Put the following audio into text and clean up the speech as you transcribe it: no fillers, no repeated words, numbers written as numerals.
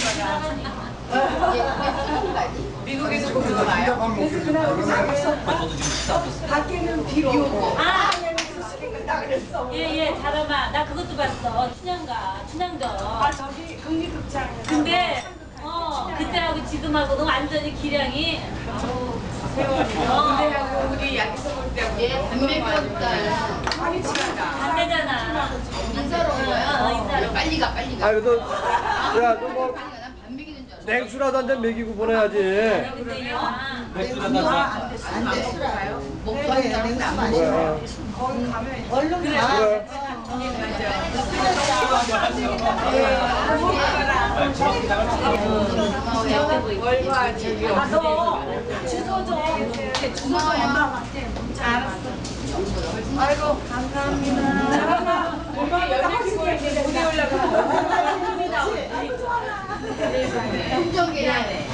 미국에서 그거 나요? 그래서 저도 지금 식사 밖에는 비 오고. 예예 자람아 나 그것도 봤어 춘향전 저기 국립극장. 근데 그때하고 지금하고는 완전히 기량이 그때하고 우리 야기서 볼 때하고 안 되잖아 인사로 온 거야? 인사로 빨리 가. 아, 그래도 야, 너 뭐 반 먹이는 줄 알았어. 냉수라도 한 잔 먹이고 보내야지. 근데 맥주 갖다 줘. 안 돼. 먹고 하는 안 돼. 뭐야? 거기 가면 그래 그래. 월과 저기 주소 좀 주소 고마워요. 아이고 감사합니다. 우리 열심히 물이 올라가. 긍정해야 돼.